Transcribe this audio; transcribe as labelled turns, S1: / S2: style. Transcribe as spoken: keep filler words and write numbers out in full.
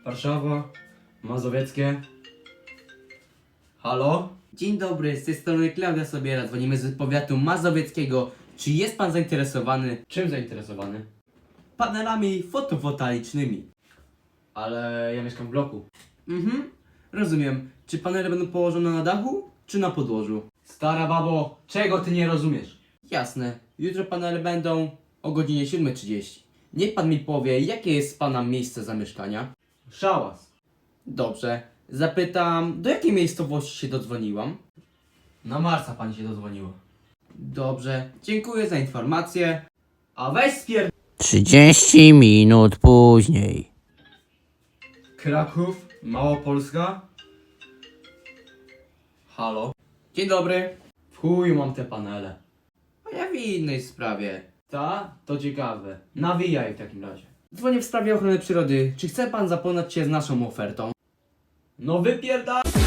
S1: Warszawa, Mazowieckie. Halo?
S2: Dzień dobry, z tej strony Klaudia Sobiera, dzwonimy z powiatu mazowieckiego. Czy jest pan zainteresowany
S1: Czym zainteresowany?
S2: panelami fotowoltaicznymi?
S1: Ale ja mieszkam w bloku.
S2: Mhm, rozumiem. Czy panele będą położone na dachu, czy na podłożu?
S1: Stara babo, czego ty nie rozumiesz?
S2: Jasne, jutro panele będą o godzinie siódma trzydzieści. Niech pan mi powie, jakie jest pana miejsce zamieszkania?
S1: Szałas.
S2: Dobrze, zapytam, do jakiej miejscowości się dodzwoniłam?
S1: Na Marsa pani się dozwoniła.
S2: Dobrze, dziękuję za informację.
S1: A weź spier...
S3: Trzydzieści minut później.
S1: Kraków, Małopolska. Halo?
S2: Dzień dobry.
S1: W chuju mam te panele.
S2: A ja w innej sprawie.
S1: Ta? To ciekawe. Nawijaj w takim razie.
S2: Dzwonię w sprawie ochrony przyrody. Czy chce pan zapoznać się z naszą ofertą?
S1: No wypierdal...